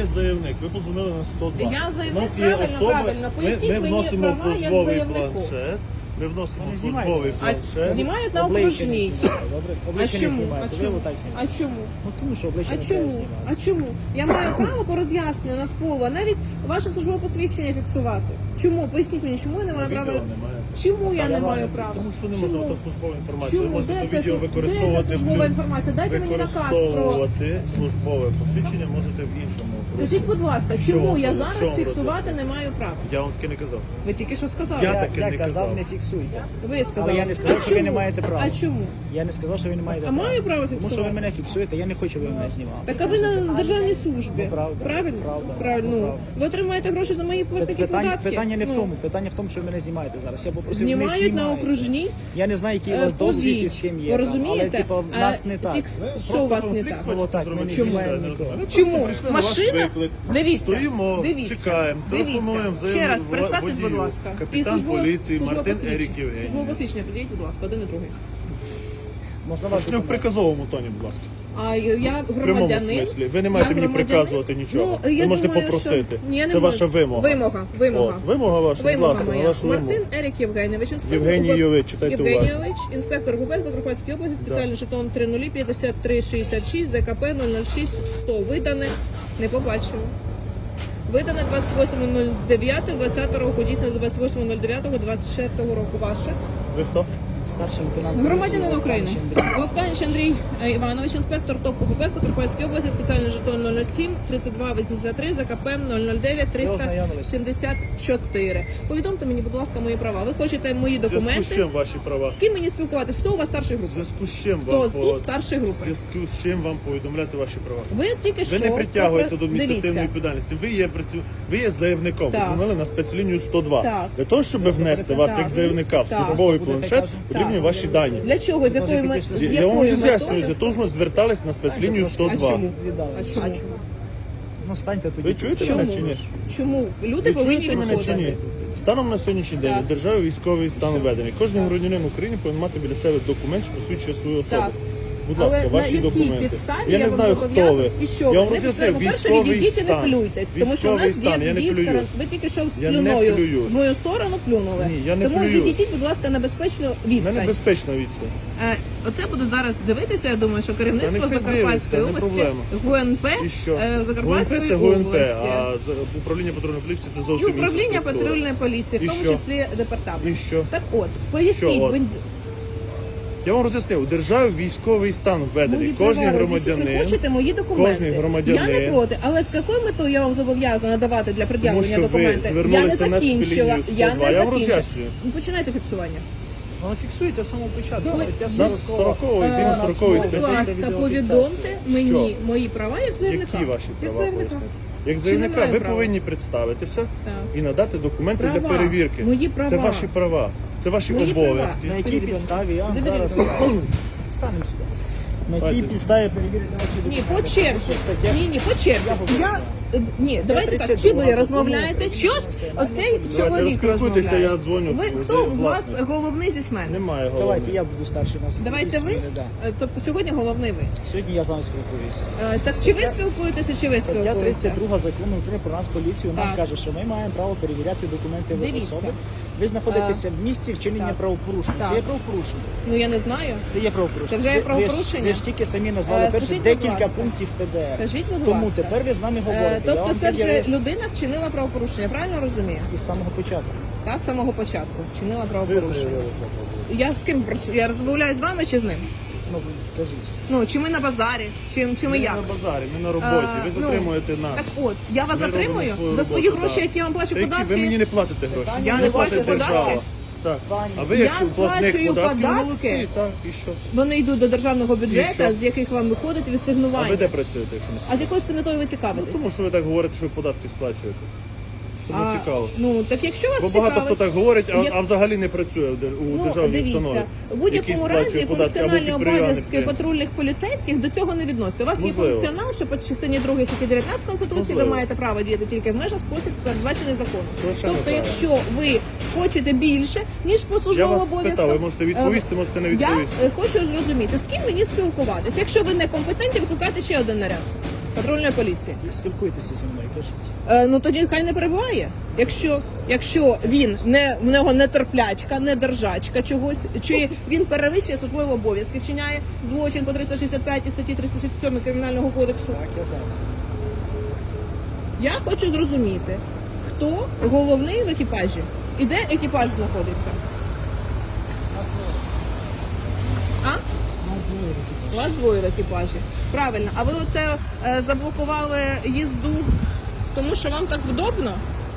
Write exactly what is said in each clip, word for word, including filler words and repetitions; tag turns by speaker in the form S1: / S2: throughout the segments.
S1: є заявник, ви подзвонили на сто два.
S2: Я заявник,
S1: У нас є
S2: правильно,
S1: особи,
S2: правильно.
S1: ми,
S2: Поясніть
S1: ми
S2: мені
S1: вносимо
S2: права
S1: в
S2: як
S1: службовий
S2: заявнику.
S1: планшет. Ми вносимо
S3: Вони
S1: в
S3: знімають.
S1: службовий
S2: А
S1: планшет.
S2: знімають на
S3: Обличчя не
S2: окружній.
S3: знімаєте, добре?
S2: А
S3: Обличчя не
S2: чому?
S3: знімаєте,
S2: А
S3: ви
S2: чому?
S3: отак
S2: А
S3: знімаєте.
S2: чому?
S3: Ну тому що обличчя
S2: А
S3: не треба
S2: чому?
S3: знімати.
S2: А чому? Я маю право по роз'ясненню Нацполу, а навіть ваше службове посвідчення фіксувати. Чому? Поясніть мені, чому я не маю
S1: Відео
S2: права?
S1: немає.
S2: Чому я не
S3: Та
S2: маю
S3: немає.
S2: права?
S1: Тому що не
S2: Чому?
S1: можна, то службова інформація. Ви
S2: Чому?
S1: можете
S2: Де
S1: то
S2: це,
S1: відео
S2: слу- де
S1: використовувати.
S2: це службова
S1: в-
S2: інформація? Дайте мені наказ про...
S1: Використовувати службове посвідчення можете в іншому.
S2: Скажіть, будь ласка,
S1: Що
S2: чому
S1: вам
S2: я
S1: робити? Що
S2: зараз
S1: вам
S2: фіксувати
S1: робити?
S2: не маю права?
S1: Я вам таки не казав.
S2: Ви тільки що сказали.
S1: Я
S3: Я,
S1: таки
S3: я
S1: не
S3: казав,
S1: казав.
S3: не фіксуйте.
S2: Ви сказали.
S3: Але я не сказав,
S2: А
S3: що ви
S2: чому?
S3: не маєте права.
S2: А чому?
S3: Я не сказав, що ви не маєте
S2: А
S3: права.
S2: маю право
S3: Тому що
S2: фіксувати?
S3: ви мене фіксуєте, я не хочу, щоб ви мене знімали.
S2: Так а ви на державній службі.
S3: Ну, правда,
S2: Правильно?
S3: правда,
S2: Правильно. Ну,
S3: правда.
S2: ви отримаєте гроші за мої платники
S3: Питання,
S2: податки.
S3: питання не в
S2: Ну,
S3: тому. Питання в тому, що ви мене знімаєте зараз. Я попросив, не
S2: Знімають на
S3: знімайте.
S2: окружній.
S3: Я не знаю, який у
S2: Е,
S3: вас досвід і з
S2: повіть.
S3: ким
S2: Ви
S3: є. там,
S2: розумієте?
S3: Але типу, в
S2: А,
S3: нас не так.
S2: фікс-
S1: Ви
S2: Що у вас
S1: просто
S2: не
S1: конфлікт
S2: так?
S1: хочете
S3: Отак,
S1: зробити,
S3: ми
S1: що
S3: чому?
S1: я не розумію. Ви
S2: Чому?
S1: просто прийшли на ваш
S2: Машина?
S1: виклик.
S2: Дивіться,
S1: Стоїмо,
S2: дивіться,
S1: чекаємо, телефонуємо,
S2: дивіться. Ще раз,
S1: заявимо
S2: представтесь, будь
S1: водію.
S2: ласка.
S1: Капітан
S2: службове-
S1: поліції
S2: службове
S1: Мартин
S2: посвідчення.
S1: Ерік Євгенійович.
S2: Службове посвідчення, підійдіть, будь ласка, один і другий.
S3: Можна вас
S1: Не в приказовому тоні, будь ласка.
S2: А я
S1: В прямому
S2: громадянин.
S1: смислі. Ви не маєте
S2: Я
S1: мені
S2: громадянин.
S1: приказувати нічого.
S2: Ну,
S1: Ви
S2: я
S1: можете
S2: думаю,
S1: попросити.
S2: Що... Ні, я не
S1: Це
S2: можу.
S1: ваша вимога.
S2: Вимога, вимога.
S1: От, вимога ваша, будь
S2: Вимога
S1: ласка, на
S2: моя.
S1: вашу вимогу.
S2: Мартин Ерік Євгенійович, інспектор
S1: Євгенійович, читайте уважно.
S2: Євгенійович, інспектор ГУП Закарпатської області, спеціальний жетон три нуль п'ятдесят три шістдесят шість, ЗКП нуль нуль шість сто. Видане, не побачила. Видане двадцять восьмого дев'ятого двадцятого року, дійсно до двадцять восьмого дев'ятого двадцять четвертого року. Ваше?
S1: Ви хто?
S3: старший лейтенант.
S2: Громадянин
S3: поліції
S2: України.
S3: Вовканич Андрій.
S2: Вовканич Андрій е, Іванович, інспектор ТОП ГУП в Закарпатській області, спеціальний жетон нуль нуль сім тридцять два вісімдесят три, ЗКП нуль нуль дев'ять триста сімдесят чотири. Повідомте мені, будь ласка, мої права. Ви хочете мої
S1: В зв'язку з
S2: документи?
S1: чим ваші права?
S2: З ким мені спілкуватися? Хто у вас старший
S1: В
S2: групи?
S1: зв'язку з чим
S2: Хто
S1: вам
S2: з
S1: по-
S2: тут старший
S1: в
S2: групи?
S1: зв'язку з чим вам повідомляти ваші права?
S2: Ви тільки що
S1: Ви не притягуєтеся до адміністративної
S2: Дивіться.
S1: відповідальності. Ви є працю... ви є заявником. Ви
S2: Так.
S1: дзвонили на спецлінію сто два.
S2: Так.
S1: Для того, щоб внести вас
S2: Так.
S1: як заявника в
S2: Так.
S1: службовий
S3: Будете
S1: планшет,
S3: кажуть,
S1: потрібні
S2: так.
S1: ваші дані.
S2: Для чого? З якою ми- з
S1: Я я вам
S2: якою
S1: роз'яснюю,
S2: метою?
S1: за того, що ми звертались на спецлінію сто
S2: А
S1: два.
S2: чому?
S3: Віддали.
S2: А чому?
S3: Ну станьте тоді.
S1: Ви чуєте
S2: Чому?
S1: мене чи ні?
S2: Чому? Люди
S1: Ви
S2: повинні
S1: чуєте мене чи ні?
S2: відходити.
S1: Станом на сьогоднішній день
S2: Так.
S1: у державі військовий стан введений. Кожен громадянин України повинен мати біля себе документ, що посвідчує свою особу.
S2: Так.
S1: Будь
S2: Але
S1: ласка,
S2: на
S1: ваші
S2: якій
S1: документи.
S2: підставі
S1: Я
S2: я
S1: не
S2: вам
S1: знаю, хто
S2: зобов'язана?
S1: ви.
S2: І що?
S1: Я вам
S2: Не
S1: роз'яснив,
S2: по-перше,
S1: військовий
S2: відійдіть і не
S1: стан.
S2: плюйтесь, тому що у
S1: Військовий
S2: нас
S1: стан,
S2: є
S1: я не
S2: діти,
S1: плююсь.
S2: ви тільки що з
S1: Я не
S2: плюною
S1: плююсь.
S2: в мою сторону плюнули.
S1: Ні, я не
S2: Тому
S1: плюю.
S2: відійдіть, будь ласка, на безпечну
S1: У
S2: відстань.
S1: мене безпечна відстань.
S2: Е, Оце буде зараз дивитися, я думаю, що керівництво
S1: Та нехай
S2: Закарпатської
S1: дивиться, не
S2: області,
S1: проблема.
S2: ГУНП
S1: І що?
S2: е, Закарпатської
S1: ГУНП це ГУНП,
S2: області.
S1: а з- управління патрульної поліції це
S2: І
S1: зовсім інша
S2: управління
S1: структура.
S2: патрульної поліції, в
S1: І
S2: тому
S1: що?
S2: числі департамент.
S1: І що?
S2: Так от, поясніть,
S1: Що от?
S2: ви-
S1: Я вам роз'яснив, у державі військовий стан введений.
S2: мої
S1: Кожен
S2: права роз'ясніть. Ви
S1: громадянин.
S2: хочете мої документи?
S1: кожний громадянин-
S2: Я не проти, але з якою метою я вам зобов'язана давати для пред'явлення
S1: що ви
S2: документи? Я не
S1: звернулися на
S2: закінчила.
S1: Нацполіцію
S2: Я
S1: сто два.
S2: не
S1: Я вам
S2: закінчила.
S1: роз'яснюю.
S2: Ну, починайте фіксування.
S3: Воно фіксується з самого початку.
S2: Ну,
S3: Стаття
S1: Нас
S3: сорока.
S1: сорокової,
S2: Е,
S1: згідно сорокової
S2: Будь
S1: статті.
S2: ласка,
S3: відеофіксація.
S2: повідомте мені
S1: Що?
S2: мої права як заявника.
S1: Які ваші
S2: Як
S1: права
S2: заявника.
S1: пояснити? Як
S2: Чи
S1: заявника
S2: немає
S1: ви
S2: права?
S1: повинні представитися
S2: Так.
S1: і надати документи
S2: Права.
S1: для перевірки.
S2: Мої права.
S1: Це ваші права, це ваші
S2: Мої
S1: обов'язки.
S2: права.
S3: На якій
S2: Заберіть
S3: підставі я вам
S2: Заберіть
S3: зараз
S2: ребенка.
S3: встанемо сюди. На якій
S1: Давайте.
S3: підставі перевірити ваші
S2: Ні,
S3: документи?
S2: по черзі.
S3: Стаття-
S2: Ні, ні, по черзі. Я, е, ні, давайте так, чи ви розмовляєте, чи ось оцей чоловік
S1: розпілкуйтеся,
S2: розмовляє?
S1: я дзвоню.
S2: Ви,
S1: з-
S2: хто з вас
S1: власне.
S2: головний зі мене?
S1: Немає
S3: Давайте
S1: голови.
S3: я буду старший нас.
S2: Давайте ви?
S3: Да.
S2: Е, Тобто сьогодні головний ви.
S3: Сьогодні я з вами спілкуюся.
S2: Е, Так чи ви спілкуєтеся, чи ви
S3: Стаття
S2: спілкуєтеся?
S3: тридцять два закону України про нас поліцію нам
S2: Так.
S3: каже, що ми маємо право перевіряти документи ви
S2: Дивіться.
S3: особи. Ви знаходитеся в місці вчинення
S2: так.
S3: правопорушення.
S2: Так.
S3: Це є правопорушення.
S2: Ну я не знаю.
S3: Це є правопорушення.
S2: Це вже є
S3: Ви- ви ж-
S2: правопорушення?
S3: Ви ж тільки самі назвали
S2: Е,
S3: перше
S2: скажіть, будь
S3: декілька
S2: ласка.
S3: пунктів П Д Р.
S2: Скажіть, будь
S3: Тому
S2: ласка.
S3: тепер ви з нами
S2: Е,
S3: говорите. Я
S2: Тобто
S3: вам
S2: це вже
S3: пред'явив
S2: людина вчинила правопорушення, правильно розумію?
S3: із самого початку.
S2: Так, з самого початку вчинила
S1: Ви
S2: правопорушення.
S1: заявили.
S2: Я з ким працюю? Я розмовляю з вами чи з ним?
S3: Ну, кажіть.
S2: Ну, чи ми на базарі, чи, чи ми
S1: Ми
S2: як?
S1: на базарі, ми на роботі,
S2: А,
S1: ви
S2: ну,
S1: затримуєте нас.
S2: Так от, я вас
S1: Ми
S2: затримую
S1: робимо
S2: за свої
S1: роботу,
S2: гроші,
S1: так.
S2: які я вам плачу
S1: Та які?
S2: податки.
S1: Ви мені не платите гроші.
S2: Я
S1: Мені
S2: не
S1: платить
S2: плачу
S1: держава.
S2: податки.
S1: Так.
S3: Пані,
S1: А ви
S2: я
S1: як платник
S2: сплачую
S1: податків,
S2: податки.
S1: молодці, так, і що?
S2: Вони йдуть до державного
S1: І
S2: бюджету,
S1: що?
S2: з яких вам виходить
S1: А ви
S2: відсигнування.
S1: де працюєте, якщо не
S2: А з якою це метою ви цікавитесь?
S1: Тому що ви так говорите, що ви податки сплачуєте. Тому
S2: А,
S1: цікаво.
S2: Ну, так якщо вас
S1: Бо багато
S2: цікавить...
S1: хто так говорить, а,
S2: Як-
S1: а взагалі не працює в дер- у
S2: Ну,
S1: державній
S2: дивіться,
S1: установі.
S2: в будь-якому
S1: який
S2: разі
S1: сплачує податки, або
S2: функціональні
S1: підприємник,
S2: обов'язки
S1: підприємник.
S2: патрульних поліцейських до цього не відносяться. У вас
S1: Можливо.
S2: є функціонал, що по частині другої статті дев'ятнадцять Конституції ви
S1: Можливо.
S2: маєте право діяти тільки в межах спосіб, передбачений законом.
S1: Совершенно
S2: Тобто,
S1: правильно.
S2: якщо ви хочете більше, ніж по
S1: Я
S2: службовим
S1: вас
S2: обов'язкам...
S1: спитав, ви можете відповісти,
S2: е,
S1: можете не
S2: Я
S1: відповісти.
S2: е, хочу зрозуміти, з ким мені спілкуватися. Якщо ви не компетентні, викликайте ще один наряд. патрульної поліції.
S3: Спілкуйтеся зі мною, кажіть.
S2: Е, ну тоді хай не перебуває. Якщо, якщо він не в нього не терплячка, не держачка чогось, чи він перевищує службові обов'язки, вчиняє злочин по триста шістдесят п'ятій статті триста шістдесят сьомій Кримінального кодексу.
S3: Так, я зараз.
S2: Я хочу зрозуміти, хто головний в екіпажі і де екіпаж знаходиться. А? У вас двоє в екіпажі. Правильно. А ви оце е, заблокували їзду, тому що вам так вдобно?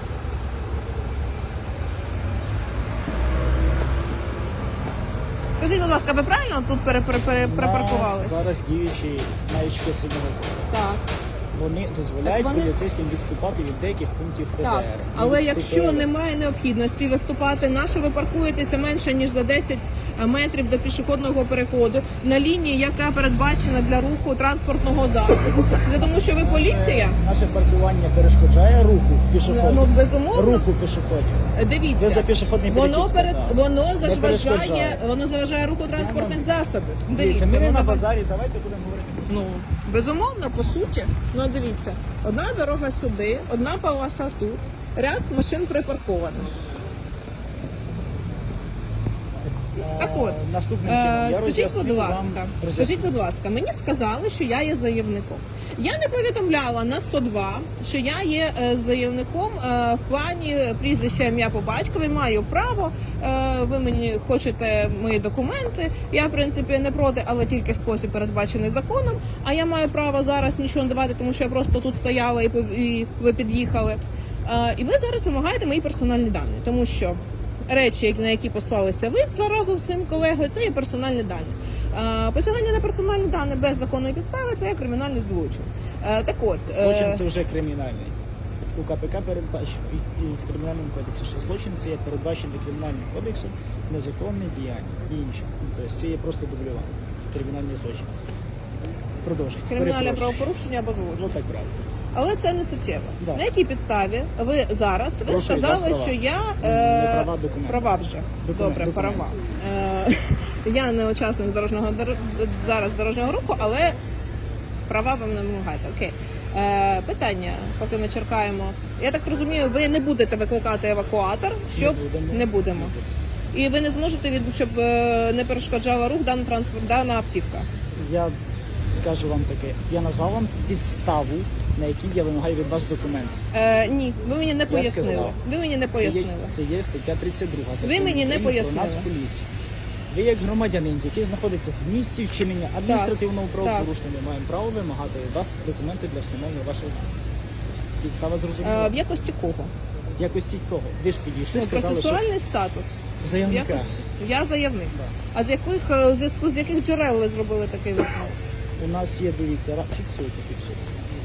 S2: Скажіть, будь ласка, ви правильно тут пере, пере, пере,
S3: У
S2: припаркувались?
S3: нас зараз діючі маячки сигналу.
S2: Так.
S3: Вони дозволяють
S2: Так вони-
S3: поліцейським відступати від деяких пунктів П Д Р.
S2: Так,
S3: І
S2: але
S3: відступили.
S2: якщо немає необхідності виступати, на що ви паркуєтеся менше ніж за десять метрів до пішохідного переходу на лінії, яка передбачена для руху транспортного засобу, це тому, що ви поліція?
S3: Наше паркування перешкоджає руху пішоходів.
S2: Ну безумовно.
S3: Руху пішоходів.
S2: Дивіться,
S3: Ви за пішохідний
S2: воно
S3: перехід
S2: перед
S3: сказали.
S2: воно
S3: Не
S2: заважає,
S3: перешкоджає.
S2: воно заважає руху транспортних засобів.
S3: Дивіться, ми не
S2: воно
S3: на
S2: ба-
S3: базарі, давайте будемо говорити.
S2: Ну, безумовно, по суті. Ну, дивіться, одна дорога сюди, одна полоса тут, ряд машин припарковано. Так от,
S3: Е, Наступним чином,
S2: е,
S3: я
S2: скажіть,
S3: роз'яснив
S2: будь
S3: вам-
S2: ласка,
S3: роз'яснив.
S2: скажіть, будь ласка, мені сказали, що я є заявником. Я не повідомляла на сто два, що я є е, заявником е, в плані прізвища, ім'я по батькові, маю право. Е, ви мені хочете мої документи. Я, в принципі, не проти, але тільки в спосіб передбачений законом. А я маю право зараз нічого не давати, тому що я просто тут стояла і, пов- і ви під'їхали. Е, і ви зараз вимагаєте мої персональні дані, тому що речі, на які послалися ви це разом з своїм колегою, це є персональні дані. Е, Посилання на персональні дані без законної підстави це є кримінальний злочин. Е, Так от, е,
S3: Злочин це вже кримінальний. У К П К передбачено і, і в кримінальному кодексі, що злочин це є передбачений кримінальним кодексом, незаконне діяння і інше. Тобто це є просто дублювання. Кримінальний злочин. Продовжуйте.
S2: кримінальне
S3: Перепрошую.
S2: правопорушення або злочин.
S3: Ну так правильно.
S2: Але це не суттєво.
S3: Да.
S2: На якій підставі ви зараз ви
S3: Прошу, у вас
S2: сказали,
S3: права.
S2: що я
S3: Не права, документи.
S2: права вже
S3: Документ,
S2: добре,
S3: документ.
S2: права. Е, я не учасник дорожнього дор- зараз дорожнього руху, але права ви не вимагаєте. Окей. Е, питання, поки ми чекаємо. Я так розумію, ви не будете викликати евакуатор, щоб
S3: Не будемо.
S2: не будемо. І ви не зможете від щоб е, не перешкоджала рух дана транспорт, дана автівка.
S3: Я скажу вам таке. Я назвав вам підставу, на якій я вимагаю від вас документи.
S2: Е, ні, ви мені не пояснили.
S3: сказав.
S2: Ви мені не
S3: Це є,
S2: пояснили.
S3: це є стаття тридцять два.
S2: Ви
S3: Закону
S2: мені не
S3: України
S2: пояснили.
S3: Про Нацполіцію. Ви як громадянин, який знаходиться в місці вчинення адміністративного
S2: Так.
S3: правопорушення, маємо право вимагати від вас документи для встановлення вашого підстава
S2: Е,
S3: зрозуміла.
S2: в якості кого?
S3: В якості кого? Ви ж підійшли,
S2: Ну,
S3: сказали, що
S2: процесуальний статус. В
S3: заявника.
S2: якості. Я заявник. А з яких е, у зв'язку з яких джерел ви зробили такий висновок?
S3: У нас є, дивіться, ра- фіксуйте, фіксуйте.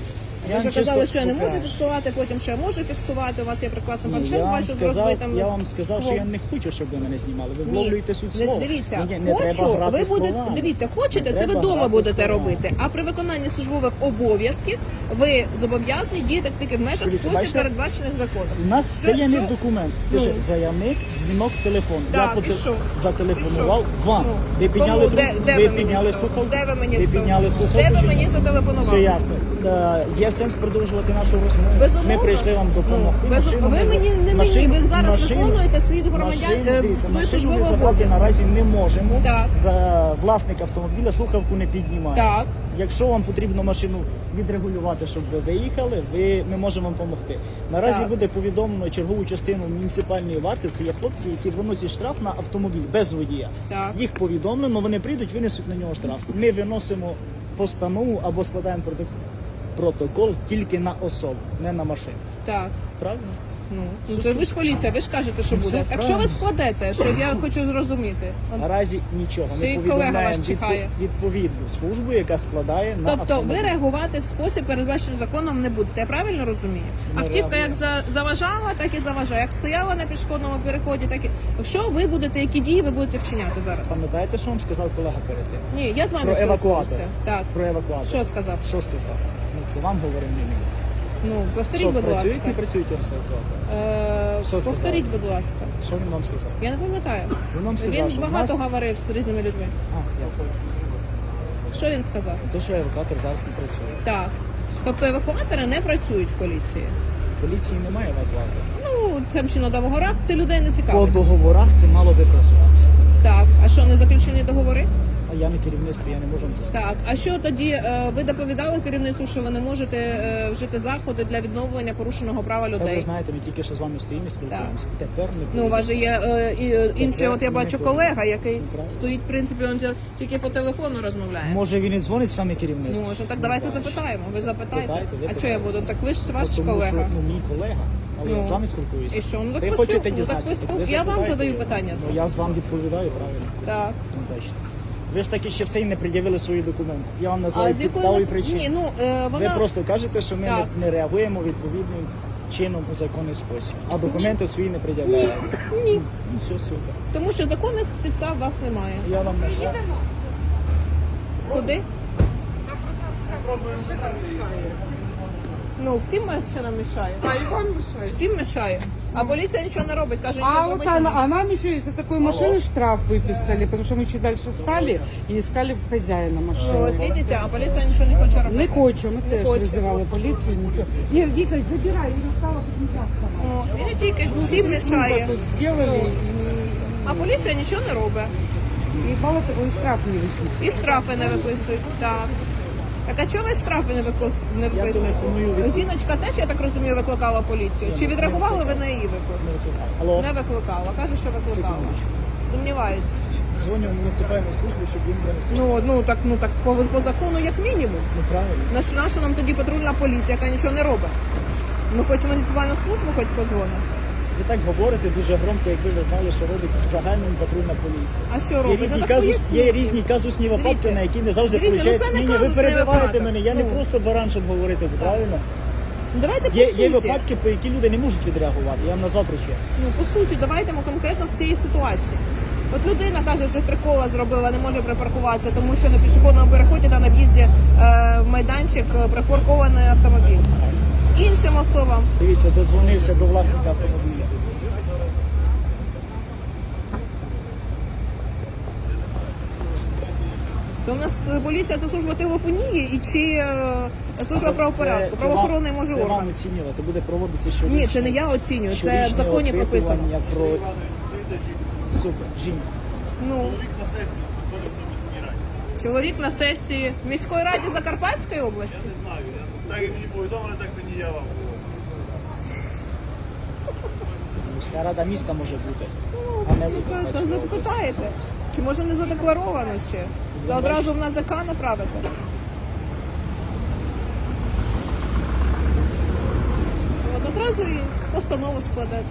S2: Ви вже казали, що я не можу фіксувати, потім що я можу фіксувати. У вас є прекрасний
S3: Ні,
S2: планшет,
S3: я вам
S2: бачу з
S3: сказав,
S2: розбитим
S3: я вам сказав, що я
S2: склом.
S3: не хочу, щоб ви мене знімали. Ви
S2: Ні.
S3: вловлюєте суть
S2: Не-
S3: слова.
S2: Дивіться,
S3: Ні, не
S2: хочу,
S3: треба грати
S2: ви будете,
S3: словами.
S2: дивіться, хочете,
S3: Не
S2: це ви
S3: треба
S2: вдома
S3: грати
S2: будете
S3: словами.
S2: робити. А при виконанні службових обов'язків ви зобов'язані діяти тільки в межах
S3: Дивіться,
S2: спосіб
S3: бачите?
S2: передбачених законом.
S3: У нас це
S2: Що-
S3: є не
S2: що?
S3: документ.
S2: Ну.
S3: Пише заявник, дзвінок, телефон.
S2: Так,
S3: Я
S2: і що?
S3: зателефонував
S2: І що?
S3: вам.
S2: Ну.
S3: Ви підняли
S2: Кому? Де-
S3: трубку,
S2: де
S3: ви
S2: мені
S3: підняли
S2: зателефонували?
S3: слухавку.
S2: Де ви мені
S3: ви
S2: зателефонували?
S3: підняли слухавку.
S2: Де ви
S3: чи
S2: мені
S3: ні?
S2: зателефонували?
S3: Все ясно. Та, є сенс продовжувати нашу розмову.
S2: Безумовно.
S3: Ми прийшли вам допомогти.
S2: Ну, без-
S3: Машину
S2: ви
S3: ми за-
S2: мені не мені,
S3: машину-
S2: ви зараз
S3: машину-
S2: виконуєте свій громадян-
S3: машину,
S2: е,
S3: дивіться,
S2: свої
S3: машину
S2: службові
S3: ми забрати
S2: обов'язки.
S3: наразі не можемо.
S2: Так.
S3: За власник автомобіля слухавку не піднімає.
S2: Так.
S3: Якщо вам потрібно машину відрегулювати, щоб ви виїхали, ви, ми можемо вам допомогти. Наразі
S2: Так.
S3: буде повідомлено чергову частину муніципальної варти. Це є хлопці, які виносять штраф на автомобіль без водія.
S2: Так.
S3: Їх повідомлено, вони прийдуть, винесуть на нього штраф. Ми виносимо постанову або складаємо проток- протокол тільки на особу, не на машину.
S2: Так.
S3: Правильно?
S2: Ну, ну, то ви ж поліція, ви ж кажете, що
S3: Ну,
S2: буде.
S3: все
S2: Так що ви
S3: правильно.
S2: складете, щоб я хочу зрозуміти? От.
S3: Наразі нічого.
S2: Ще й
S3: Ми
S2: колега
S3: повідомляємо
S2: вас чекає.
S3: відпо- відповідну службу, яка складає на
S2: Тобто
S3: автомобіль.
S2: ви реагувати в спосіб, передбачений законом, не будете. Я правильно розумію?
S3: Ми
S2: Автівка як
S3: реагуємо.
S2: за- заважала, так і заважає. Як стояла на пішохідному переході, так і. Що ви будете, які дії ви будете вчиняти зараз?
S3: Пам'ятаєте, що вам сказав колега перед тим?
S2: Ні, я з вами
S3: Про евакуатор.
S2: спілкуюся. Так.
S3: Про евакуатор.
S2: Що сказав?
S3: Що сказав? Ну, це вам говоримо не мені.
S2: Ну, повторіть,
S3: Що,
S2: будь ласка.
S3: працюють, не працюють евакуатор?
S2: Е,
S3: Що сказав?
S2: повторіть, будь ласка.
S3: Що він вам сказав?
S2: Я не пам'ятаю.
S3: Він вам сказав,
S2: Він
S3: що в
S2: багато
S3: нас...
S2: говорив з різними людьми.
S3: А, ясно.
S2: Що він сказав?
S3: То, що евакуатор зараз не працює.
S2: Так.
S3: Все.
S2: Тобто евакуатори не працюють в поліції.
S3: В поліції немає евакуатора.
S2: Ну, це ще на договорах, це людей не
S3: По
S2: цікавить.
S3: договорах це мало би працювати.
S2: Так, а що, не заключені договори?
S3: А я не керівництво, я не можу вам це сказати.
S2: Так, а що тоді е, ви доповідали керівництву, що ви не можете е, вжити заходи для відновлення порушеного права
S3: Та ви
S2: людей?
S3: знаєте, ми тільки що з вами стоїмо і спілкуємося. Тепер не
S2: Ну, у вас же є е, і, е, інший,
S3: Тепер
S2: от я
S3: ми
S2: бачу
S3: не
S2: колега, який
S3: Ну, правильно.
S2: стоїть, в принципі, він тільки по телефону розмовляє.
S3: Може він і дзвонить саме керівництво?
S2: Може, так давайте запитаємо. Ви запитайте.
S3: Питайте, ви
S2: А що я
S3: питайте.
S2: буду? Так ви ж ваш
S3: Тому
S2: колега.
S3: що ну, мій колега, але
S2: Ну.
S3: я з вами спілкуюся.
S2: І що? Ну, так
S3: ви
S2: ви
S3: хочете
S2: спілку- ну, так ви
S3: дізнатися?
S2: спілку-
S3: ви
S2: я вам
S3: запитайте.
S2: задаю питання це.
S3: Ну, я з вам відповідаю, правильно.
S2: Так.
S3: Ну, бачите. Ви ж таки ще все й не пред'явили свої документи. Я вам
S2: А
S3: називаю
S2: з
S3: підставу і
S2: якої...
S3: причину.
S2: Ні, ну, е,
S3: Ви
S2: вона...
S3: просто кажете, що ми
S2: Так.
S3: не, не реагуємо відповідним чином у законний спосіб, а документи свої не пред'являєте.
S2: Ні.
S3: Ну, все супер.
S2: Тому що законних підстав у вас немає.
S3: Я вам нашла.
S2: Куди? Ну, всім машинам мішає.
S4: А и вам мешает.
S2: Всім мішає. А поліція нічого не робить, каже,
S4: А
S2: нічого
S4: вот
S2: робити
S4: она,
S2: не
S4: а нам еще из-за такой машины штраф выписали, потому что мы чуть дальше стали и искали в хозяина
S2: От,
S4: машины.
S2: бачите, а поліція нічого не хоче
S4: Не
S2: робити.
S4: хоче, ми теж
S2: хоче.
S4: визивали поліцію, нічого. Не, Віка, забирай, вона стала тут нельзя вставати.
S2: О, і не тільки, всім мішає.
S4: Тут сделали,
S2: А поліція нічого не робить.
S4: і, і мало того, і штраф не виписали.
S2: І штрафи не виписують. Так. Так а чого ви штрафи не викос- не виписуєте?
S3: телефоную.
S2: Жіночка теж, я так розумію, викликала поліцію. Чи відреагували ви на її виклик?
S3: Алло,
S2: Не викликала. Каже, що викликала.
S3: Секундочку.
S2: Сумніваюсь.
S3: дзвоню в муніципальну службу, щоб він винесли.
S2: Ну, ну так, ну так по, по закону як мінімум.
S3: Ну правильно.
S2: На що наша нам тоді патрульна поліція, яка нічого не робить? Ну хоч муніципальну службу, хоч подзвонить.
S3: Ви так говорите дуже громко, якби ви знали, що робить в загальному патрульна поліція.
S2: А що
S3: Є
S2: робить?
S3: різні,
S2: Ну, так
S3: казус, є
S2: поясніть.
S3: різні казусні випадки,
S2: Дивіться.
S3: на які не завжди
S2: Дивіться, ну,
S3: получають.
S2: це не
S3: Ні, ні, ви
S2: казусний
S3: перебиваєте
S2: випадок.
S3: мене, я не
S2: Ну.
S3: просто баран, щоб говорити, правильно?
S2: Ну, давайте по
S3: Є,
S2: суті.
S3: є випадки, по які люди не можуть відреагувати. Я вам назвав причину.
S2: Ну, по суті, давайте ми конкретно в цій ситуації. От людина каже, що прикола зробила, не може припаркуватися, тому що на пішохідному переході та на в'їзді е, в майданчик е, припаркований автомобіль. Іншим особам
S3: Дивіться, додзвонився до власника автомобіля.
S2: то у нас поліція це служба телефонії і чи е, служба правопорядку,
S3: це
S2: правоохоронний
S3: вам-
S2: може
S3: Це вам
S2: орган.
S3: оцінювати, буде проводитися щорічне.
S2: Ні, це не я оцінюю, це в
S3: щорічне
S2: законі прописано.
S3: опитування Про... Супер, жінка.
S2: Ну, чоловік на сесії в міської раді Закарпатської області.
S1: Знаю, я так як мені повідомили, так мені я вам.
S3: Міська рада міста може бути, а не
S2: Та
S3: Закарпатська область.
S2: запитаєте, чи може не задекларовано ще? Та одразу в НАЗК направити. От одразу і постанову складати.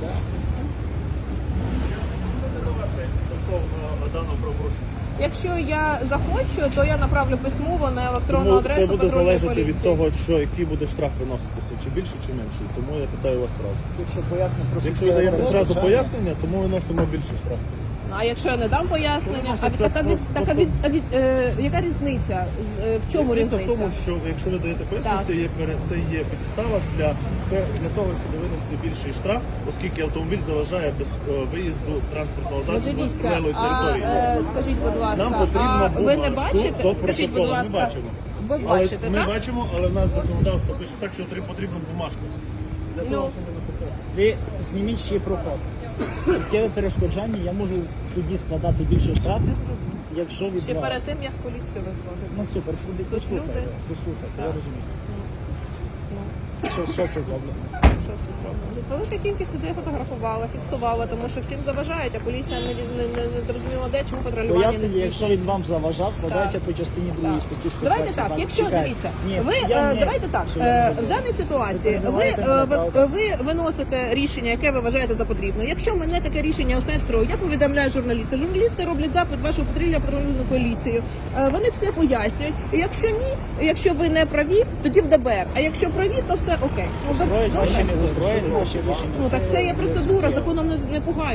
S1: Стосовно даного правопорушення.
S2: Якщо я захочу, то я направлю письмово на електронну
S1: Тому
S2: адресу
S1: це буде
S2: патрульної
S1: залежати
S2: поліції.
S1: від того, що який буде штраф виноситися, чи більше, чи менше. Тому я питаю вас одразу.
S3: Якщо пояснити про
S1: Якщо ви
S3: суттєве
S1: даєте
S3: порушення,
S1: зразу пояснення, тому виносимо більше штраф.
S2: А якщо я не дам пояснення, а, від,
S1: Це
S2: так, а, від, так, а, від, а від, е, яка різниця? З- е, В чому
S1: Різниця
S2: різниця?
S1: в тому, що якщо ви даєте пояснення,
S2: Так.
S1: це є пере- це є підстава для, для того, щоб винести більший штраф, оскільки автомобіль заважає без е, виїзду транспортного
S2: Ну,
S1: засобу з
S2: дивіться,
S1: прилеглої
S2: а
S1: території.
S2: е, скажіть, будь ласка,
S1: Нам потрібно
S2: а ви не
S1: бумажку
S2: бачите?
S1: до
S2: Скажіть, будь
S1: протоколу.
S2: ласка,
S1: Ми бачимо.
S2: ви
S1: Але
S2: бачите,
S1: ми
S2: так?
S1: бачимо, але в нас законодавство пише так, що три- потрібна бумажка. Для
S2: Ну.
S1: того, щоб виносити.
S3: ви зніміть ще проход. Суттєве перешкоджання, я можу тоді складати більше штрафів, якщо від
S2: Ще
S3: вас.
S2: перед тим, як поліцію визвати.
S3: Ну супер, куди послухайте,
S2: люди.
S3: послухайте, я
S2: Так.
S3: розумію.
S2: Ну.
S3: Що, що це зроблено?
S2: Що все зроблено? Велика кількість людей фотографувала, фіксувала, тому що всім заважають, а поліція не, не, не, не зрозуміло де, чому патрулювання не
S3: Пояснення, якщо
S2: здійснюється.
S3: він вам заважав, складається по частині другій
S2: Так.
S3: статті сто
S2: Давайте
S3: двадцять
S2: так,
S3: два.
S2: якщо
S3: Чекайте.
S2: дивіться,
S3: Ні,
S2: ви
S3: я
S2: е,
S3: не-
S2: давайте так.
S3: Що я
S2: е,
S3: не
S2: В даній ситуації
S3: Ви
S2: ви,
S3: перебиваєте
S2: е,
S3: мене,
S2: ви,
S3: правда?
S2: ви виносите рішення, яке ви вважаєте за потрібне. Якщо мене таке рішення ось не встроїть, я повідомляю журналіста. Журналісти роблять запит в вашу патрульну патрульну поліцію. Е, Вони все пояснюють. І якщо ні, якщо ви не праві, тоді в ДБР. А якщо праві, то все окей. Ну,
S3: Устроїть
S2: добре.
S3: ваші не устроїть, ваші рішення.
S2: Ну так це є процедура, законом не, не пугають.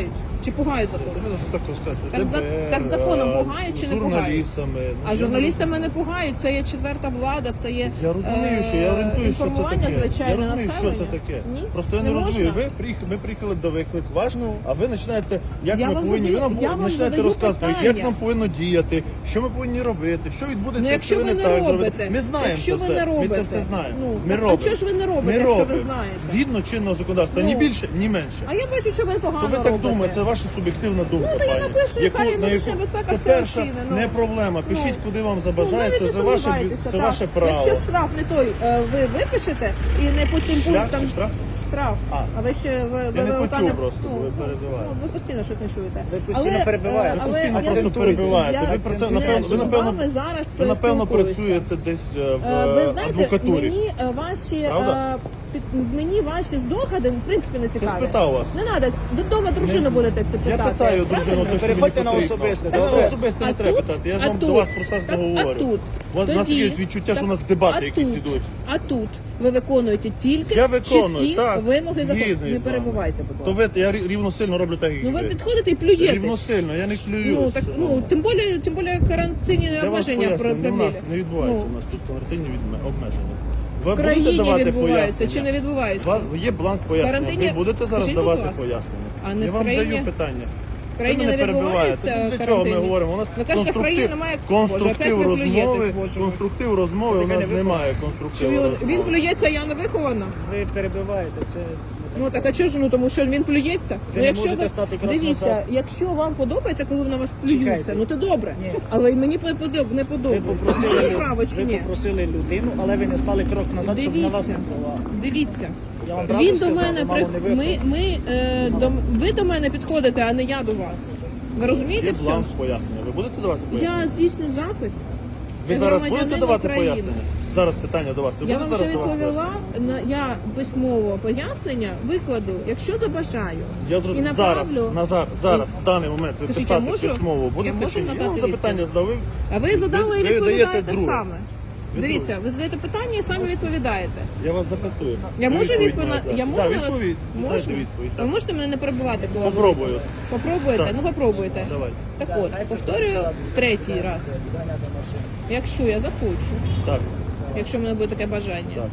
S2: Чи пугають законом?
S1: Ви ж так розказуєте.
S2: Так за-
S1: ДБР,
S2: так законом
S1: е,
S2: пугають чи не
S1: журналістами. Ну,
S2: А
S1: я
S2: журналістами не пугають, це є четверта влада, це є
S1: Я розумію, що я
S2: е,
S1: орієнтую, що це
S2: інформування,
S1: таке.
S2: звичайне
S1: Я розумію, що
S2: населення.
S1: це таке.
S2: Ні?
S1: Просто я не,
S2: Не
S1: розумію.
S2: можна?
S1: Ви приїхали, ми приїхали до виклик ваш,
S2: Ну.
S1: а ви починаєте, як
S2: Я
S1: ми
S2: вам
S1: повинні,
S2: задаю-
S1: ви нам
S2: я вам
S1: починаєте
S2: задаю
S1: розказувати,
S2: питання.
S1: як нам повинно діяти, що ми повинні робити, що відбудеться,
S2: Ну, якщо ви
S1: ви
S2: не
S1: так
S2: робите,
S1: зробите. Ми знаємо
S2: якщо
S1: це
S2: ви
S1: все.
S2: не
S1: Ми це
S2: робите,
S1: все знаємо.
S2: ну,
S1: ми
S2: так, а
S1: робимо.
S2: чого ж ви не робите,
S1: Ми
S2: якщо ви
S1: робимо.
S2: знаєте?
S1: Згідно чинного законодавства,
S2: Ну.
S1: ні більше, ні менше.
S2: А я бачу, що ви погано
S1: То ви так
S2: робите.
S1: думаєте, це ваша суб'єктивна думка.
S2: Ну, то я
S1: пані.
S2: напишу, яка
S1: Яку-
S2: є
S1: на
S2: внутрішня
S1: яку-
S2: безпека,
S1: Це
S2: все
S1: перша
S2: оцінено.
S1: не проблема. Пишіть,
S2: Ну.
S1: куди вам
S2: Ну,
S1: забажається.
S2: навіть
S1: Це
S2: не
S1: ваше,
S2: сумнівайтеся,
S1: це
S2: так.
S1: ваше право.
S2: Якщо штраф не той, е, ви випишете і не по тим
S1: Шлях
S2: пунктам
S1: чи штраф?
S2: штраф.
S1: А.
S2: А ви ще ви,
S1: Я
S2: ви
S1: не
S2: ВЛК
S1: почув просто,
S2: ну,
S1: ви перебиваєте.
S2: Ну, ви постійно щось не чуєте.
S3: Ви постійно перебиваєте.
S2: е,
S3: Ви
S2: але
S1: постійно
S2: я
S1: просто
S2: з-
S1: перебиваєте.
S2: я
S1: Ви про це,
S2: з-
S1: напевно- ви,
S2: з
S1: напевно,
S2: вами зараз
S1: ви, напевно,
S2: спілкуюся.
S1: працюєте десь е, в
S2: Е, Ви
S1: е,
S2: знаєте,
S1: адвокатурі.
S2: мені е, ваші
S1: Правда?
S2: е, під- мені ваші здогади в принципі не цікаві.
S1: спитав вас.
S2: Не треба, додому дружину будете це
S1: Я
S2: питати.
S1: питаю
S2: правильно?
S1: дружину, то, що
S3: Переходьте
S1: мені
S3: на
S1: потрібно.
S3: особисте,
S1: Та на
S3: добре?
S1: особисте не
S2: А
S1: треба
S2: тут-
S1: питати. Я ж
S2: а
S1: вам
S2: тут-
S1: до вас просто
S2: так,
S1: говорю.
S2: А тут,
S1: У вас у нас
S2: тоді-
S1: є відчуття, що у нас
S2: так,
S1: дебати
S2: а
S1: якісь
S2: тут-
S1: ідуть.
S2: А тут ви виконуєте тільки
S1: Я виконую,
S2: чіткі
S1: так,
S2: вимоги закону.
S1: згідний
S2: Не
S1: з вами.
S2: перебувайте, будь
S1: То
S2: ласка.
S1: ви, я рі- рівно сильно роблю так, як
S2: Ну ви
S1: ви.
S2: підходите і плюєтесь.
S1: Рівно сильно, я не плююсь.
S2: Ну, так, ну, тим більше, тим більше карантинні
S1: Я вас
S2: обмеження про
S1: поясню, не в нас
S2: продлили.
S1: не відбувається
S2: Ну.
S1: у нас тут конвертинні відме- обмеження. Ви
S2: В
S1: будете
S2: країні
S1: давати
S2: відбувається
S1: пояснення?
S2: чи не відбувається?
S1: У вас є бланк пояснення.
S2: Карантинні-
S1: Ви будете зараз
S2: Скажіть, будь
S1: давати
S2: ласка.
S1: пояснення?
S2: А не
S1: я
S2: в
S1: вам
S2: країні-
S1: даю питання.
S2: В країні
S1: Ви
S2: не
S1: мене перебиваєте.
S2: відбувається
S1: Ну, для чого ми
S2: карантинні?
S1: говоримо? У нас
S2: Ви кажете, в
S1: конструктив,
S2: країні немає- Боже, опять
S1: конструктив
S2: ви плюєтесь,
S1: розмови,
S2: Боже мой.
S1: конструктив розмови у
S3: ви
S1: нас
S3: не
S1: немає
S2: Чи
S1: конструктиву
S2: він,
S1: розмови.
S2: він плюється, я не вихована?
S3: Ви перебиваєте, це
S2: Ну так а чого ж, ну тому що він плюється?
S3: Ви
S2: Ну
S3: не
S2: якщо
S3: можете стати крок
S2: дивіться,
S3: назад.
S2: якщо вам подобається, коли на вас плюються,
S3: Чекайте.
S2: ну то добре.
S3: Ні.
S2: Але й мені подоб- не
S3: ви
S2: подобається.
S3: попросили,
S2: Має
S3: лю-
S2: право чи
S3: ви
S2: ні?
S3: попросили людину, але ви не стали крок назад, щоб на вас не
S2: Дивіться,
S3: було.
S2: дивіться.
S3: Я вам правду
S2: Він до
S3: сказав,
S2: мене
S3: мало
S2: при...
S3: не випало.
S2: ми, ми, е, до... ви до мене підходите, а не я до вас. Ви розумієте
S1: Є
S2: в
S1: бланк
S2: цьому?
S1: пояснення. Ви будете давати пояснення?
S2: Я здійсню запит.
S1: Ви
S2: Я
S1: зараз
S2: громадянин
S1: будете давати
S2: України.
S1: пояснення? Зараз питання до вас. Ви
S2: Я
S1: будете
S2: вам вже
S1: зараз давати
S2: відповіла,
S1: пояснення?
S2: на я письмово пояснення викладу, якщо забажаю.
S1: Я
S2: І
S1: зрозумів. Зараз,
S2: направлю.
S1: Назар, зараз, в даний момент ви
S2: Скажіть,
S1: писати
S2: я можу?
S1: письмово
S2: Я
S1: будете
S2: можу
S1: чи ні? Я
S2: надати
S1: вам запитання
S2: відповідь?
S1: здав. Ви-
S2: А ви задали і
S1: ви даєте
S2: відповідаєте
S1: друге.
S2: саме.
S1: Ви
S2: Дивіться,
S1: друге.
S2: ви задаєте питання і самі відповідаєте.
S1: Я вас запитую.
S2: Я
S1: Ви
S2: можу
S1: відповідь
S2: відповідь?
S1: маєте
S2: Я
S1: дати.
S2: можу?
S1: Да, відповідь. Дайте
S2: Можу?
S1: відповідь.
S2: Ви
S1: так.
S2: можете мене не перебивати, коли я буду
S1: Попробую.
S2: відповідати? Попробуєте?
S1: Так.
S2: Ну попробуйте.
S1: Давайте.
S2: Так от, повторюю третій раз.
S3: Ганяти машину.
S2: Якщо я захочу,
S1: Так,
S2: якщо в мене буде таке бажання,
S1: так.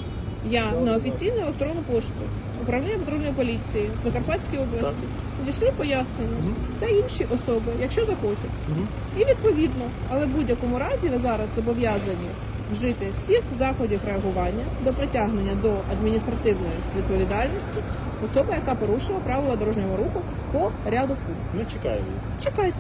S2: я на офіційну електронну пошту управління патрульної поліції в Закарпатській області надішлю пояснення та інші особи, якщо захочуть.
S1: Мгм.
S2: І відповідно, але в будь-якому разі ви зараз зобов'язані вжити всіх заходів реагування до притягнення до адміністративної відповідальності особи, яка порушила правила дорожнього руху по ряду пунктів.
S1: Ми чекаємо.
S2: Чекайте.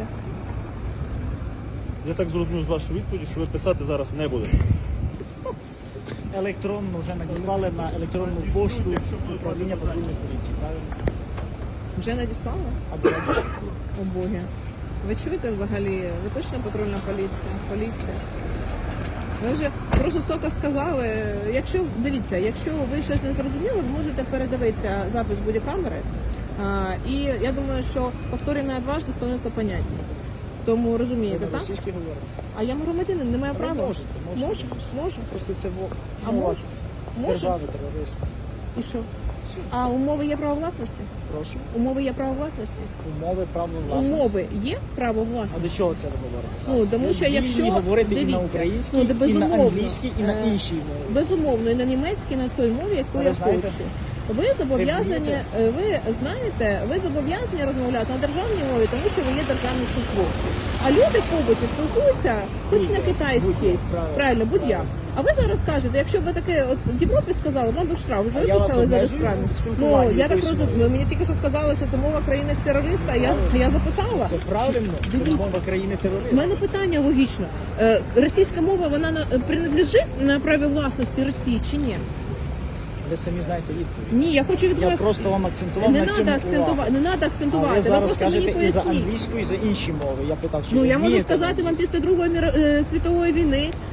S1: Я так зрозумів з вашої відповіді, що ви писати зараз не будете.
S3: Електронну вже надіслали на електронну пошту управління патрульної поліції, правильно?
S2: Вже надіслали?
S3: Або раніше.
S2: О Боги. Ви чуєте взагалі? Ви точно патрульна поліція? Поліція? Ви вже просто стільки сказали. Якщо дивіться, якщо ви щось не зрозуміли, ви можете передивитися запис будь-камери. А, і я думаю, що повторення дважди становиться понятні. Тому
S3: Ви
S2: розумієте,
S3: на
S2: так?
S3: російській говорите.
S2: А я громадянин, не маю
S3: Ви
S2: права.
S3: можете, можете,
S2: Можу,
S3: звісно.
S2: можу.
S3: Просто це во-
S2: А
S3: мова
S2: можу? Можу.
S3: держави терориста.
S2: І що? А умови є право власності?
S3: Прошу.
S2: Умови є право власності?
S3: Умови право власності.
S2: Умови є право
S3: А до
S2: власності?
S3: чого це ви говорите?
S2: Ну,
S3: зараз?
S2: тому
S3: Ви
S2: що
S3: вільні
S2: якщо
S3: говорити і на
S2: дивіться,
S3: українській,
S2: ну, де
S3: і на
S2: безумовно,
S3: англійській, і на
S2: е,
S3: іншій мові.
S2: Безумовно, і на німецькій, на той мові, яку
S3: Ви
S2: я
S3: знаєте?
S2: хочу. Ви зобов'язані,
S3: Ви
S2: е, ви знаєте, ви зобов'язані розмовляти на державній мові, тому що ви є державні службовці. А люди в побуті спілкуються, хоч на
S3: Будь-як,
S2: китайській,
S3: будь-як, правильно.
S2: правильно, будь-як. А ви зараз кажете, якщо б ви таке от в Європі сказали, вам би штраф вже
S3: А я вас
S2: виписали зараз
S3: обмежую
S2: правильно.
S3: в
S2: Ну
S3: спілкуванні
S2: я так
S3: якоюсь
S2: розумію. Мені тільки що сказали, що це мова країни терориста. Я я запитала.
S3: Це правильно, це
S2: Дивіться.
S3: мова країни
S2: У
S3: терориста.
S2: мене питання логічно. Е, Російська мова вона на- принадлежить на праві власності Росії чи ні?
S3: Ви самі знаєте відповідь.
S2: Ні, я хочу від
S3: Я
S2: вас
S3: просто вам акцентував
S2: не
S3: на
S2: треба
S3: цьому
S2: акцентувати.
S3: увагу.
S2: Не треба
S3: А
S2: акцентувати.
S3: ви
S2: Ви
S3: зараз
S2: просто мені
S3: скажете і за
S2: поясніть.
S3: англійську, і за інші мови. Я питав, чи
S2: Ну
S3: ви
S2: я можу
S3: вмієте
S2: сказати вам
S3: англійську?
S2: після Другої міро- е, світової війни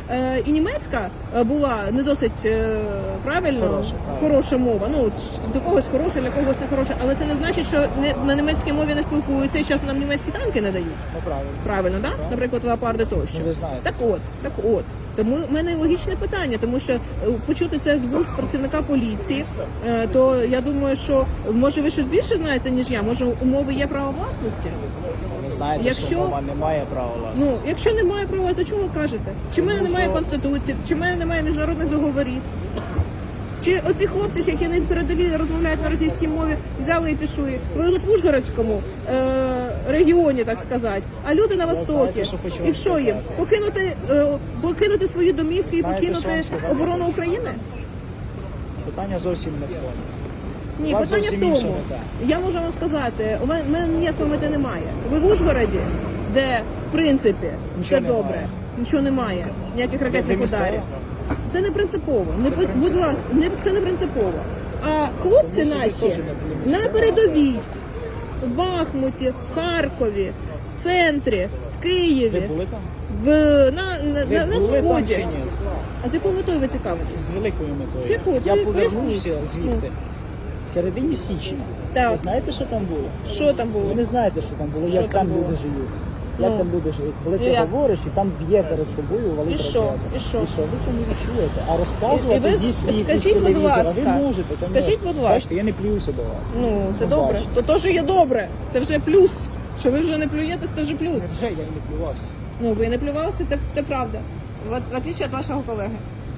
S2: е, і німецька е, була не досить е, правильно,
S3: Хороша, правильно.
S2: хороша мова. Ну, ч- до когось хороша, для когось не хороша. Але це не значить, що не, на німецькій мові не спілкуються і зараз нам німецькі танки не дають.
S3: Ну правильно.
S2: Правильно, да? Наприклад, леопарди тощо.
S3: Ну, ви знаєте
S2: Так
S3: це.
S2: от, так от. Тому в мене логічне питання, тому що е, почути це з вуст працівника поліції, е, то я думаю, що може ви щось більше знаєте, ніж я. Може, у мови є право власності?
S3: Ви знаєте,
S2: Якщо-
S3: що мова не має права власності.
S2: Ну, якщо немає права, то чому ви кажете? Чи в мене немає конституції, чи в мене немає міжнародних договорів? Чи оці хлопці, які не передові розмовляють на російській мові, взяли і пішли? Ви тут в Ужгородському е, регіоні, так сказати, а люди на Востокі.
S3: знаєте, що хочу вам
S2: І що їм?
S3: сказати?
S2: Покинути, е, покинути свої домівки і
S3: Знаєте, що
S2: покинути
S3: вам сказати?
S2: оборону України?
S3: Питання зовсім не в тому.
S2: Ні,
S3: У вас
S2: питання в
S3: зовсім інша
S2: тому.
S3: мета.
S2: Я можу вам сказати, у мене, мене ніякої мети немає. Ви в Ужгороді, де в принципі все
S3: Нічого
S2: добре,
S3: немає.
S2: нічого немає, ніяких ракетних
S3: місцеві?
S2: ударів. Це не принципово. Не будь- будь ласка, не це не принципово. А хлопці
S3: Тому що ви
S2: наші
S3: теж не були
S2: на
S3: місцеві.
S2: передовій, в Бахмуті, в Харкові, в центрі, в
S3: Ви
S2: Києві,
S3: були там?
S2: в на, на,
S3: Ви
S2: на, на
S3: були там
S2: сході.
S3: чи ні?
S2: А з якою метою ви цікавитесь?
S3: З великою метою.
S2: З якою?
S3: Я
S2: Ви
S3: повернувся
S2: поясніть.
S3: звідти. В середині січня.
S2: Так.
S3: Ви знаєте, що там було?
S2: Що там було?
S3: Ви не знаєте, що там було,
S2: Що
S3: як
S2: там
S3: там
S2: було?
S3: люди живуть. Як
S2: Ну.
S3: там люди живуть. Коли ти
S2: І як?
S3: говориш, і там б'є перед тобою, валить
S2: І що?
S3: ракета.
S2: І що?
S3: І що? Ви це не відчуєте. А
S2: І
S3: розказувати
S2: ви
S3: зі слів,
S2: скажіть,
S3: із
S2: будь
S3: телевізора,
S2: ласка,
S3: ви можете. конечно.
S2: скажіть, будь ласка.
S3: Бачите, я не плююся до вас.
S2: Ну, це
S3: Ну,
S2: добре.
S3: бачите.
S2: То теж є добре. Це вже плюс. Що ви вже не плюєтесь, це вже плюс.
S3: Вже я і не плювався.
S2: Ну, ви не плювалися, це, це правда. В, в отличие від вашого колеги.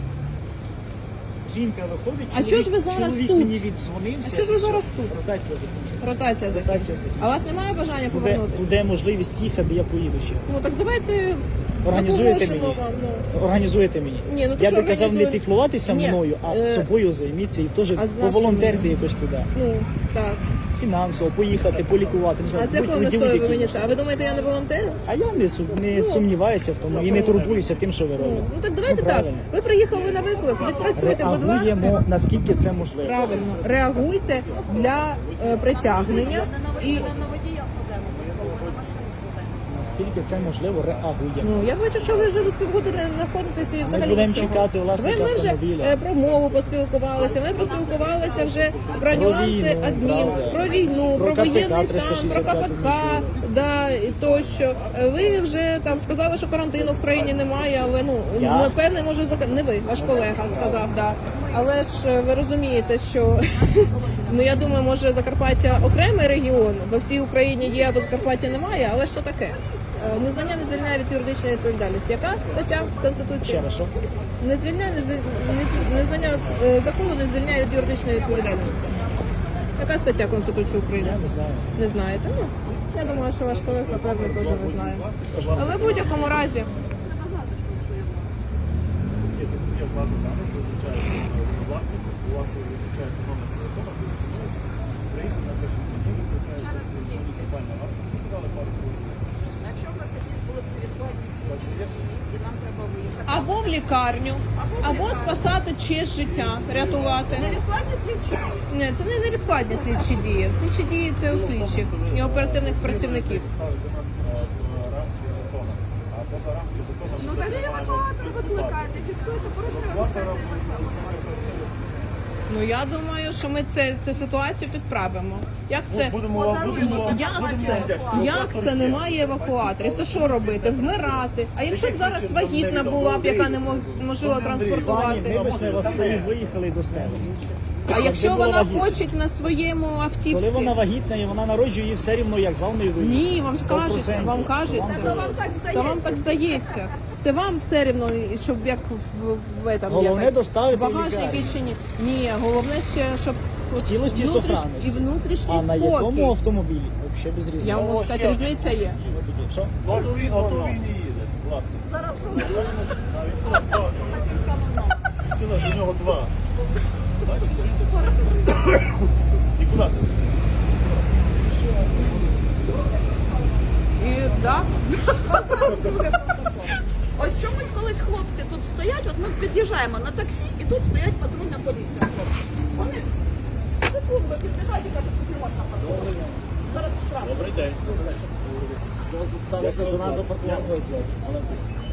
S3: Жінка виходить,
S2: А чого ж ви зараз
S3: чоловік
S2: тут?
S3: мені віддзвонився.
S2: А чого ж ви
S3: і все.
S2: зараз тут?
S3: Ротація закінчилася.
S2: Ротація закінчиться.
S3: Ротація закінчиться.
S2: А у вас немає бажання
S3: Буде,
S2: повернутися?
S3: буде можливість їхати, я поїду ще.
S2: Ну так давайте
S3: Організуєте
S2: допоможемо
S3: мені?
S2: вам. Ну.
S3: Організуєте мені.
S2: Ні, ну то
S3: я
S2: що
S3: би казав не
S2: організуємо?
S3: піклуватися
S2: Ні,
S3: мною, а
S2: е,
S3: собою займіться і теж
S2: з нашими?
S3: поволонтерити якось туди.
S2: Ну, так.
S3: Фінансово, поїхати, полікувати. Не
S2: А
S3: знаю,
S2: з якою
S3: будь-
S2: метою
S3: будь-які
S2: ви мені
S3: кошти.
S2: це? А ви думаєте, я не волонтер?
S3: А я не, су- не сумніваюся в тому і не турбуюся тим, що ви робите.
S2: Ну так давайте
S3: Ну,
S2: так.
S3: правильно.
S2: Ви приїхали на виклик, відпрацюйте, будь ласка.
S3: Реагуємо, наскільки це можливо.
S2: Правильно, реагуйте для е, притягнення і
S3: Наскільки це можливо, реагуємо.
S2: ну я бачу, що ви вже тут півгодини знаходитеся і взагалі
S3: будемо
S2: нічого.
S3: чекати власника
S2: Ви ми вже
S3: автомобіля.
S2: е, про мову поспілкувалися. Ми поспілкувалися вже про нюанси
S3: війну,
S2: адмін,
S3: правда.
S2: про війну, про,
S3: Про КПК
S2: воєнний стан,
S3: триста
S2: про
S3: шістдесят п'ять
S2: КПК, да і тощо. Е, Ви вже там сказали, що карантину в країні немає, але ну
S3: Я?
S2: напевне, може зак- не ви, ваш колега сказав, да. Але ж е, ви розумієте, що ну я думаю, може Закарпаття окремий регіон, бо всій Україні є, або Закарпаття немає, але що таке? Е, Незнання не звільняє від юридичної відповідальності. Яка стаття Конституції?
S3: Ще раз, що?
S2: Не звільняє, не звіль... не- незнання е, закону не звільняє від юридичної відповідальності. Яка стаття Конституції України?
S3: Я не знаю.
S2: Не знаєте? Ну, я думаю, що ваш колег, напевно, теж не знає. Але в будь-якому разі,
S1: Є, є база даних, визначається власник, у вас визначається номер телефону, приїхав на перший сьогодні, викликається муніципальна варта, що подали пару хвилин.
S5: Якщо у нас якісь були б невідкладні случаї, і нам треба виїхати.
S2: або в лікарню, або спасати честь життя, рятувати.
S5: Невідкладні слідчі?
S2: Ні, це не невідкладні слідчі дії. Слідчі дії це у слідчих і оперативних працівників.
S1: Ставити нас е, в рамки закону, а поза рамки закону...
S5: Ну, взагалі евакуатор викликаєте, фіксуєте порушення, викликаєте евакуатор.
S2: Ну я думаю, що ми це, цю ситуацію підправимо. Як це?
S1: Будемо вам, будемо вам,
S2: Як
S1: будемо
S2: це?
S1: вам вдячні.
S2: Як це немає евакуаторів? То що робити? Вмирати? А якщо б зараз вагітна була б, яка не мож- можливо
S3: Пані,
S2: транспортувати?
S3: ми б з вас селі виїхали до стели.
S2: А якщо
S3: Якби була
S2: вона
S3: вагітна.
S2: хоче на своєму
S3: Коли
S2: автівці?
S3: вона вагітна і вона народжує, її все рівно як главною виїхати.
S2: Ні, вам скажеться, вам кажеться.
S5: Вам так
S2: Та вам так здається. Це вам все рівно, щоб як в, в, в этом,
S3: Головне
S2: як,
S3: доставити в
S2: багажник
S3: лікарню.
S2: чи ні. Ні, головне ще, щоб
S3: В цілості і
S2: внутріш-
S3: сохранності.
S2: і внутрішній
S3: А на
S2: спокій.
S3: якому автомобілі? Взагалі без різниці.
S2: Я можу сказати, різниця є.
S3: Що?
S1: Ну, всі ото він і їде, власне.
S5: Зараз
S1: Сказала, що у нього два. Бачиш? І куди ти?
S2: І да.
S5: ось чомусь колись хлопці тут стоять, от ми під'їжджаємо на таксі, і тут стоять патрульна поліція. Хлопці. Вони секунду підбігають і кажуть, тут не можна патрулювати. Зараз штраф.
S1: Добрий день.
S6: Що тут сталося, що нам запаркували?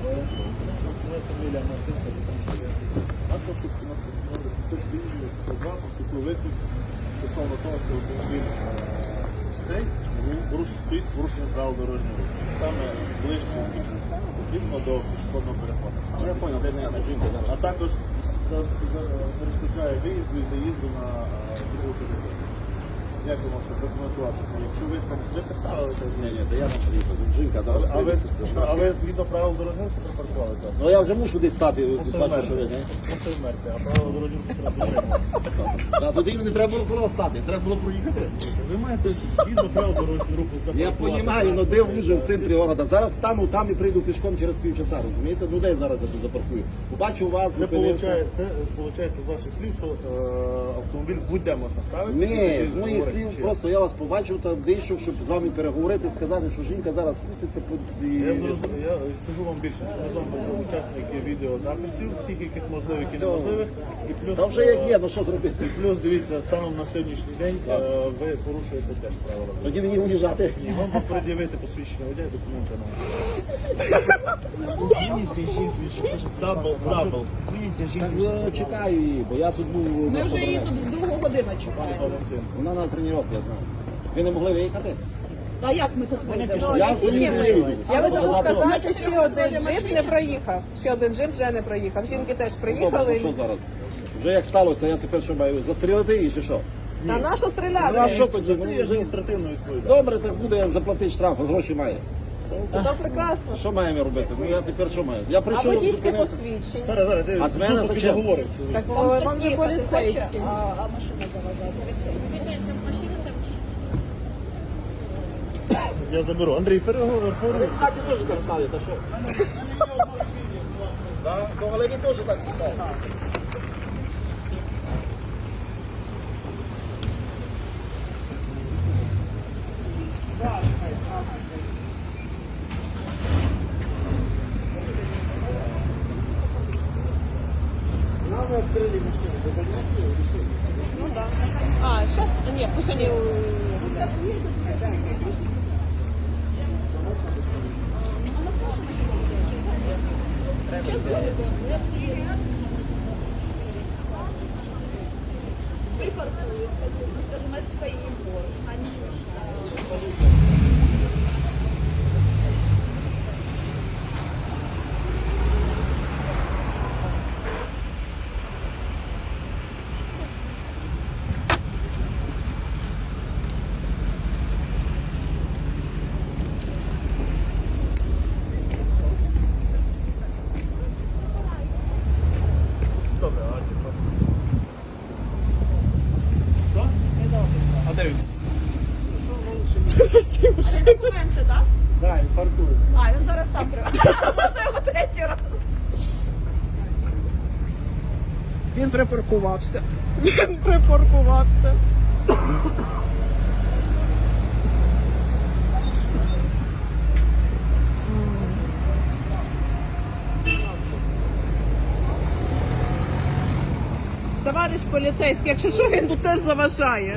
S1: Моя фамілія Мартин, капітан поліції. У нас наступний нас хтось виїздив сто два, поступив виклик стосовно того, що автомобіль е, ось цей порушив, стоїть з порушенням правил дорожнього руху. Саме ближче потрібно до пішохідного переходу. Саме
S6: Я понял,
S1: десять
S6: це не
S1: метрів.
S6: жінка, да.
S1: А також за- за- перешкоджає виїзду і заїзду на е, другу територію. Як ви можете прокоментувати це? Якщо ви це, ви це ставили, це
S6: Ні, ні, то я там приїхав. Тут жінка,
S1: а,
S6: зараз
S1: а, ви,
S6: вивезти сказав.
S1: а ви згідно правил дорожнього руху припаркували це?
S6: Ну я вже мушу десь стати, бачу, що ви, не?
S1: Просто вмерти, а правила дорожнього руху треба дотримуватися.
S6: Та тоді мені треба було коло стати, треба було проїхати.
S1: Ви маєте згідно правил дорожнього руху
S6: Я
S1: запаркувати.
S6: розумію, але де вже в центрі города. Зараз стану там і прийду пішком через півчаса, розумієте? Ну де я зараз я тут запаркую? Побачу вас,
S1: Це
S6: зупинився.
S1: виходить, це виходить з ваших слів, що е, автомобіль будь-де можна ставити.
S6: Ні, з моїх
S1: Говорить,
S6: слів
S1: чи-
S6: просто я вас побачив та вийшов, щоб з вами переговорити, сказати, що жінка зараз спуститься по- і...
S1: Я, зрозумів, я скажу вам більше, що ми з вами вже учасники відеозаписів, всіх яких можливих і неможливих. І плюс,
S6: Та вже як є, ну що зробити?
S1: і плюс дивіться, станом на сьогоднішній день е, ви порушуєте теж правила.
S6: Тоді мені уїжджати.
S1: І вам пред'явити посвідчення водія, документи нам.
S3: Звільніться жінки, він ще хоче
S1: Дабл, дабл.
S3: Звільніться жінки.
S6: Так, е, чекаю її, бо я тут був
S5: Ми
S6: на
S5: вже її
S6: собранні.
S5: тут другу годину чекаємо.
S1: Валентин.
S6: Вона на тренування, я знаю. Ви не могли виїхати?
S5: А як ми тут вийдемо?
S6: Я за ним виїду.
S2: Я вам можу
S6: Завтра-
S2: сказати, ще один джип не проїхав. Ще один джип вже не проїхав. Жінки теж
S6: Добре,
S2: приїхали.
S6: ну що зараз? Вже як сталося, я тепер що маю? Застрілити її чи що?
S2: Та на що
S6: Ну, а
S2: стріляти?
S6: що тоді?
S1: Це
S6: Ну,
S1: є
S6: вже-
S1: адміністративно відповідально.
S6: Добре, так буде заплатити штраф, гроші має.
S2: То прекрасно.
S6: Що маємо робити? Ну я тепер що маю? Я
S2: А
S6: прийшов,
S2: водійське
S6: зупинився.
S2: посвідчення?
S1: Зараз, зараз, я
S6: А з мене
S1: тут
S6: зачем?
S1: підговорив чоловік.
S2: Так
S5: Там
S2: вам
S5: хтось
S2: же
S5: їхати
S2: поліцейський.
S5: хоче, А, а машина заважає. Поліцейський.
S1: Я заберу. Андрій, переговор.
S6: Кстати, теж так стали, та що? Да, але ви теж так стали.
S2: Ну да. А, сейчас, нет, пусть они...
S5: Припаркуются тут, мы скажем, это свои егоры. Они
S1: Добре, а типа. Що? А де він?
S5: документи дасть?
S1: Так, він паркується.
S5: А, він зараз там треба. Можна його третій раз.
S2: Він припаркувався. Він припаркувався. Товариш поліцейський, якщо що, він тут теж заважає.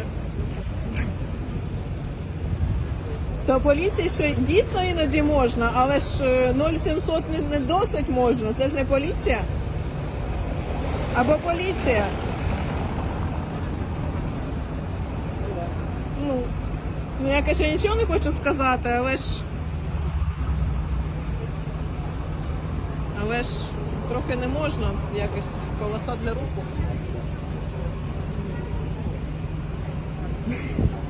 S2: То поліції ще дійсно іноді можна, але ж е, нуль сімсот не, не досить можна. Це ж не поліція. Або поліція. Ну, ну я, конечно, нічого не хочу сказати, але ж. Але ж трохи не можна якось полоса для руху.